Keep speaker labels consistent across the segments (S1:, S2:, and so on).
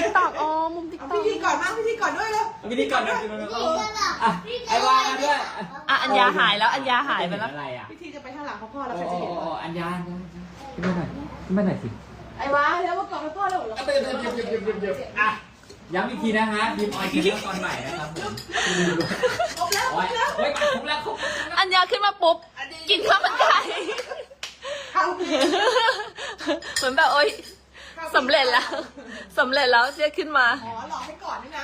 S1: ติ๊กต็อกอ๋อมุมติ๊กต็อก
S2: พิธีก่อนมากพิธีก่อนด้วยเลย
S3: พิธีก่อนนะอ่ะไอ้วามาด้วย
S1: อ่ะอัญญาหายแล้วอัญญาหายไปแล้ว
S3: อะไรอ่ะ
S2: พิธีจะไปข้างหลังพ่อแล้ว
S3: โอ้
S2: ใครจะเห็น
S3: อัญญาขึ้นมาหน่อยขึ้นมาหน่อยสิ
S2: ไอ้วะแล้วมาก่อนพ่อแล้วเหรอ
S3: อ่ะย้ำอีกทีนะฮะบีมออยกินเรื่องตอนใหม่นะครับผม
S2: ครบแล้ว
S3: โอ้ยโอ้ยมาครบแล้วครบ
S1: อัญญาขึ้นมาปุ๊บกินข้าวมันไก่
S2: เข้า
S1: เหมือนแบบโอ๊ยสำเร็จแล้วสำเร็จแล้วเจ๊ขึ้นมา
S2: อ๋อหลอกให้ก่อนนี่นะ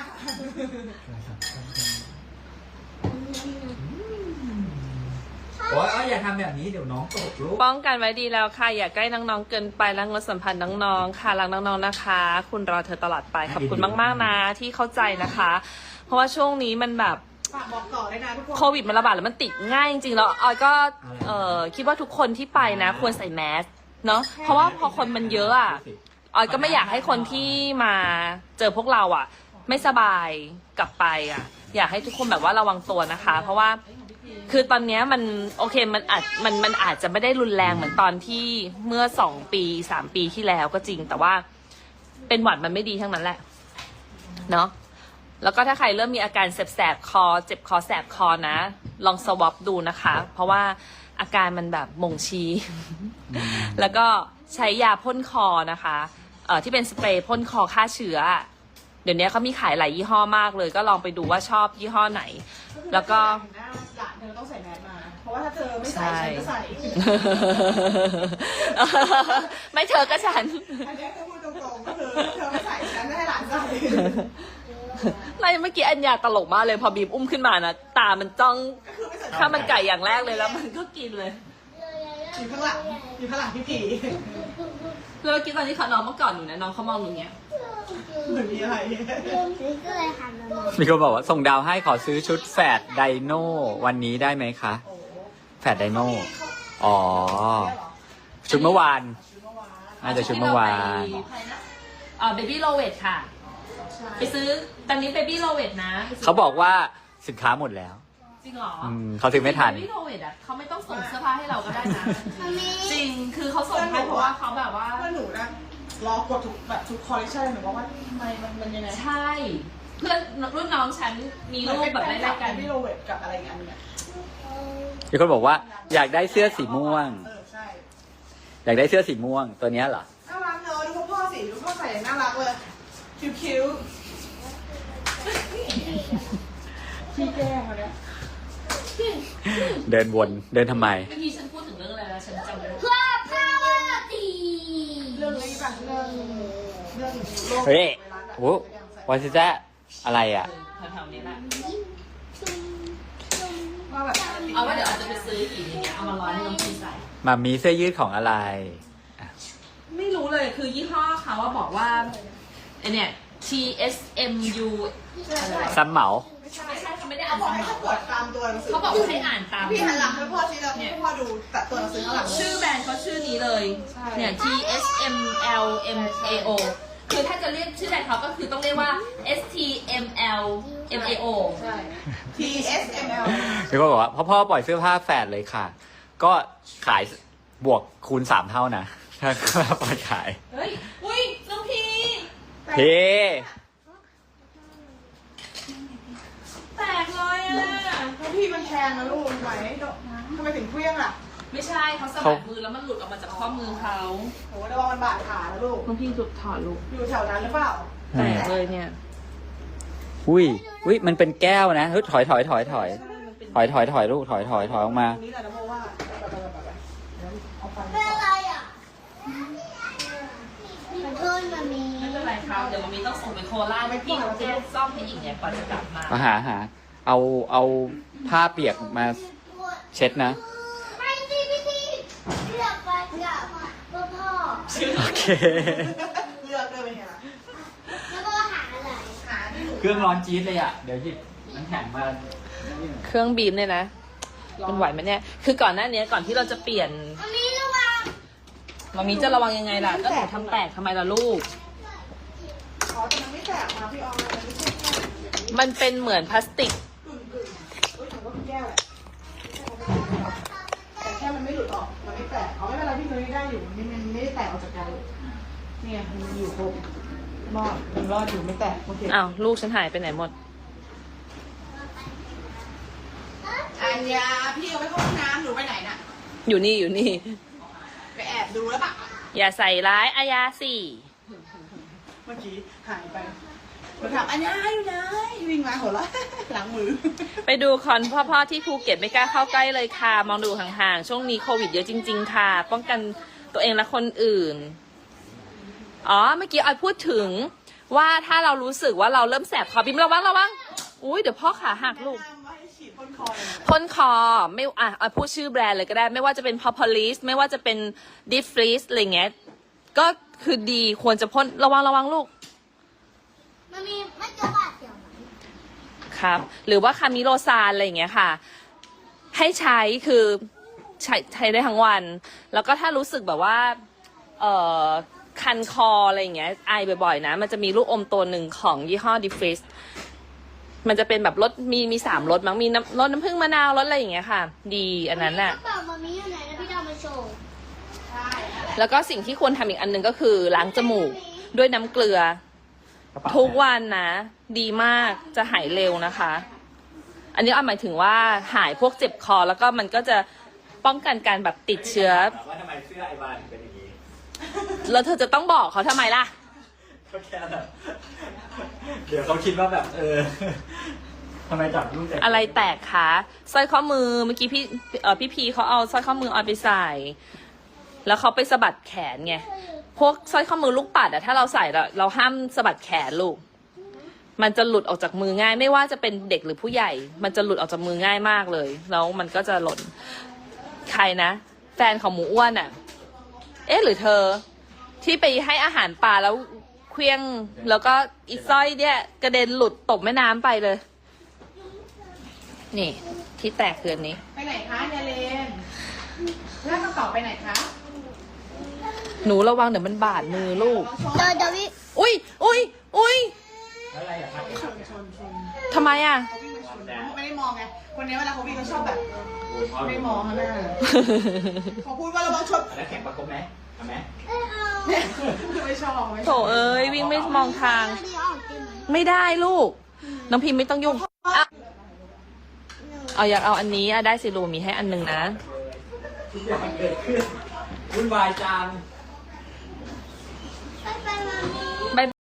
S3: โอ้ยอย่าทำแบบนี้เดี๋ยวน้องตกลูก
S1: ป้องกันไว้ดีแล้วค่ะอย่าใกล้น้องๆเกินไปแล้วงดสัมพันธ์น้องๆค่ะรักน้องๆนะคะ คุณรอเธอตลอดไปขอบคุณมากๆนะที่เข้าใจนะคะ เพราะว่าช่วงนี้มันแบบ
S2: ฝากบอกต่อเลยนะทุกคน
S1: โควิดมันระบาดแล้วมันติดง่ายจริงๆแล้วออยก็คิดว่าทุกคนที่ไปนะควรใส่แมสเนาะเพราะว่าพอคนมันเยอะอ่ะออยก็ไม่อยากให้คนที่มาเจอพวกเราอ่ะไม่สบายกลับไปอ่ะอยากให้ทุกคนแบบว่าระวังตัวนะคะ เพราะว่าคือตอนนี้มันโอเคมันอาจจะไม่ได้รุนแรงเหมือนตอนที่เมื่อ2 ปี3 ปีที่แล้วก็จริงแต่ว่าเป็นหวัดมันไม่ดีทั้งนั้นแหละเนาะแล้วก็ถ้าใครเริ่มมีอาการแสบๆคอเจ็บคอแสบคอนะลองสวอปดูนะคะ เพราะว่าอาการมันแบบบ่งชี้ แล้วก็ใช้ยาพ่นคอนะคะที่เป็นสเปรย์พ่นคอฆ่าเชื้อเดี๋ยวนี้เขามีขายหลายยี่ห้อมากเลย ก็ลองไปดูว่าชอบยี่ห้อไหน แล้วก็
S2: หลานเธอต้องใส่แมสมาเพราะว่าถ้าเธอไม่ใส่ฉันก็ใส่
S1: ไม่เธอก็ฉัน
S2: อันนี้คือพูดตรงๆก็คือเธอไม่ใส่ฉันไม่ให้หลานใส่
S1: ไล่เมื่อกี้อัญญาตลกมากเลยพอบีมอุ้มขึ้นมานะตามันจ้อง
S2: ก็คือไม่ใส่
S1: ข้าวมันไก่อย่างแรกเลยแล้วมันก็กินเลย
S2: อยู่ข้างหลังอยู่ข้างหลังพี่ผี
S1: แล้วเมื่อกี้ตอนที่เขาน้องเมื่อก่อนหนูนะน้องเขามองหนูเงี้ย
S2: เหมือนมีอะไร
S3: มีคนบอกว่าส่งดาวให้ขอซื้อชุดแฝดไดโน่วันนี้ได้ไหมคะ แฝดไดโน่อ๋อ ชุดเมื่อวาน น่าจะชุดเมื่อวาน
S1: เบบี้โลเวทค่ะ ไปซื้อตอนนี้เบบี้โลเวทนะ
S3: เขาบอกว่าสินค้าหมดแล้ว
S1: จริงเหรอ
S3: เขาซื้อไม่ทัน
S1: เบบี้โลเวทอ่ะเขาไม่ต้องส่งเสื้อผ้าให้เราก็ได้นะจริงคือเขาส่งให้เพราะว่าเขาแบบว่า
S2: เพื่อนหนูนะรอกดทุกแบบทุกคอลเลคชันหนูบอกว่าทำไมมันยังไง
S1: ใช่ เพื่อนรุ่นน้องฉันมีรูปแบบไล่ๆกัน
S2: พี่โรเวตกับอะไรกันเนี่ย
S3: มีคนบอกว่าอยากได้เสื้อสีม่วง
S2: ใช่
S3: อยากได้เสื้อสีม่วงตัวเนี้ยเหรอ
S2: น่ารักเนอะดูพ่อสิดูพ่อใส่น่ารักเลยคิ้วพี่แก้มาเนี่ย
S3: เดินวนเดินทำไม
S1: เมื่อกี้ฉันพูดถึงเรื่องอะไรแล้วฉันจำไม่ได้
S4: เพื่อพาวตี
S2: เรื่องนี้ป่ะเรื่องโลก
S3: เฮ้ยโอ้วาซิจ้าอะไรอ่ะ
S1: แถวๆนี้แหละ
S2: ว่าแบบ
S1: เอาว่าเดี๋ยวอาจจะไปซื้ออีกอย่างเงี้ยเอามาร้อยให้น้องพีใส่
S3: มามีเสื้อยืดของอะไร
S1: ไม่รู้เลยคือยี่ห้อเขาว่าบอกว่าไอเนี่ย TSMU อะไร
S3: ซ้ำเหมา
S1: ไม่ใช่เขาไม่ได้
S2: เขา
S1: อ่าน
S2: บอกให้
S1: ซ้ำ
S2: เขากดตามตัวหนังสือ
S1: เขาบอกว่าให้อ่านตาม
S2: พี่หันหลังให้พ่อสิแล้วพ่อดูตัดตัวหนังสือข้างหลัง
S1: ชื่อแบรนด์เขาชื่อนี้เลยเนี่ย TSMLMAO คือถ้าจะเรียกชื่อแบรนด์เขาก็คือต้องเรียกว่า STMLMAO
S2: ใช่ TSML
S3: มีคนบอกว่าพ่อปล่อยเสื้อผ้าแฝดเลยค่ะ ก็ขายบวกคูณ3 เท่านะ ถ้าปล่อยขาย
S1: เฮ้ย อุ้ยน้องพี
S3: เฮ้
S1: แตกเลยอ่ะ
S2: แล้วพี่มันแพงนะลูกไหวทำไมถึงเครื่องอ่ะ
S1: ไม่ใช่เขาสะบัดมือแล้วมันหลุดออกมาจากข้อมือเขา
S2: โหระวังมันบาดขานะลูก
S1: น้องพีหลุดถอดลูก
S2: อยู่แถวนั้นหรือเปล่า
S1: แตกเลยเนี่ย
S3: อุ้ยมันเป็นแก้วนะเฮ้ยถอยลูกถอยออกมา
S2: ตรงนี้แหละนะเพราะว่าเอาไป
S4: เป็นอะไรอ่ะมันโทษมามี
S1: ไม่เป็นไรครับเดี๋ยวมันมีต้องส่งไปโคราชพี่เจ๊ซ่อมให้อีกเนี่ยก่อนจะกลับมา
S3: หาเอาผ้าเปียกมาเช็ดนะ
S4: ไม่สิพี่ทีเลือกไปกับพ่อ
S3: โอเค
S2: เลือกเลยเป็นไงล่ะ
S4: แล้วก็หาอะไร
S2: หาที่หนู
S3: เครื่องร้อนจี๊ดเลยอ่ะ เดี๋ยวหยิบน้ำแข็งมา
S1: เครื่องบีมเนี่ยนะมันไหวไหมเนี่ย คือก่อนหน้านี้ก่อนที่เราจะเปลี่ยน
S4: อันนี้ระวัง
S1: มามีจะระวังยังไงล่ะ ก็หนูทำแตกทำไมล่ะลูก
S2: อ๋อแต่มันไม่แตกมาพี่ออมมันไม่ใช่แค่
S1: มันเป็นเหมือนพลาสติก
S2: กึ่งถือว่าเป็นแก้วแหละแต่แค่มันไม่หลุดออกมันไม่แตกเอาไม่เป็นไรพี่นุ้ยได้อยู่มันไม่ได้แตกออกจากกันเนี่ยมันอยู่ครบรอดยังรอดอยู่ไม่แตกโอเค
S1: อ้าวลูกฉันหายไปไหนหมด
S2: อัญญาพี่เอาไปเข้าห้องน้ำหรือไปไหนน่ะ
S1: อยู่นี่อยู่นี่
S2: ไปแอบดูแล้วปะ
S1: อย่าใส่ร้ายอายาสิ
S2: เมื่อกี้หายไปเราถามอัญญาอยู่ไหนวิ่งมาหัวเราะ หลังมือ
S1: ไปดูคอนพ่อๆที่ภูเก็ตไม่กล้าเข้าใกล้เลยค่ะ มองดูห่างๆ ช่วงนี้โควิดเยอะจริง ๆ ค่ะ ป้องกันตัวเองและคนอื่น อ๋อ เมื่อกี้ออยพูดถึงว่าถ้าเรารู้สึกว่าเราเริ่มแสบคอบิมระวังอุ้ยเดี๋ยวพ่อขาหักลูก
S2: แนะนำว่าให้ฉีดพ่นคอเลย
S1: พ่นคอไม่ออยพูดชื่อแบรนด์เลยก็ได้ ไม่ว่าจะเป็น Propolis ไม่ว่าจะเป็น Deep Freeze อะไรเงี้ยก็คือดีควรจะพ่นระวังลูก
S4: มันมีไม่เจอบาดเจ็บไหม
S1: ครับ หรือว่าคามิโลซานอะไรอย่างเงี้ยค่ะ ให้ใช้คือใช้ได้ทั้งวัน แล้วก็ถ้ารู้สึกแบบว่าคันคออะไรอย่างเงี้ยไอบ่อยๆนะ มันจะมีลูกอมตัวหนึ่งของยี่ห้อ Deep Freeze มันจะเป็นแบบรสมี3รสมั้งมีรสน้ำผึ้งมะนาวรสอะไรอย่างเงี้ยค่ะ ดีอันนั้นน่ะ
S4: กระเป๋ามามีอยู่ไหนแล้วพี่ดาวมาโชว์
S1: แล้วก็สิ่งที่ควรทำอีกอันหนึ่งก็คือล้างจมูกด้วยน้ำเกลือ ทุกวันนะ ดีมากจะหายเร็วนะคะ อันนี้เอาหมายถึงว่าหายพวกเจ็บคอแล้วก็มันก็จะป้องกันการแบบติดเชื้อ
S3: ว่าทำไมเสื้อไอวานถึงเป็นอย่างนี้
S1: แล้วเธอจะต้องบอกเขาทำไมล่ะ
S3: ก็แค่แบบเดี๋ยวเขาคิดว่าแบบทำไมจับลูกแต่
S1: อะไรแตกคะสร้อยข้อมือเมื่อกี้พี่พีเขาเอาสร้อยข้อมือเอาไปใส่ แล้วเขาไปสะบัดแขนไงพวกสร้อยข้อมือลูกปัดอะถ้าเราใส่เราห้ามสะบัดแขนลูก มันจะหลุดออกจากมือง่าย ไม่ว่าจะเป็นเด็กหรือผู้ใหญ่ มันจะหลุดออกจากมือง่ายมากเลยแล้วมันก็จะหล่นใครนะแฟนของหมูอ้วนอะเอ๊ะหรือเธอที่ไปให้อาหารปลาแล้วเคลี้ยงแล้วก็อีสร้อยเนี่ยกระเด็นหลุดตกแม่น้ำไปเลย นี่ที่แตกคืออันนี้
S2: ไปไหนคะยาเลนแล้วกระเป๋าไปไหนคะ
S1: หนูระวังเดี๋ยวมันบาดมือลูก
S4: เดี๋ยวพี่
S1: อุ้ย
S3: อะไรอะครับ
S2: ชน
S1: ทำไมอ่ะ
S2: เขาวิ่งมาชนเขาไม่ได้มองไงคนนี้เวลาเขาวิ่งเขาชอบแบบไม่มองข้างหน้าเขาพูดว่าระวังชน
S3: แล้วแข่งประกบไหมทำไหม
S4: ไม่เอา
S2: ไม่ชอบ
S1: โถเอ้ยวิ่งไม่มองทาง
S4: ไม่ได้ออกได้ไหม
S1: ไม่ได้ลูก น้องพิมพ์ไม่ต้องยุ่งอ่ะเอาอยากเอาอันนี้อ่ะได้สิลูกมีให้อันหนึงนะ
S3: ทุกอย่างเกิดขึ้นวุ่นวายจัง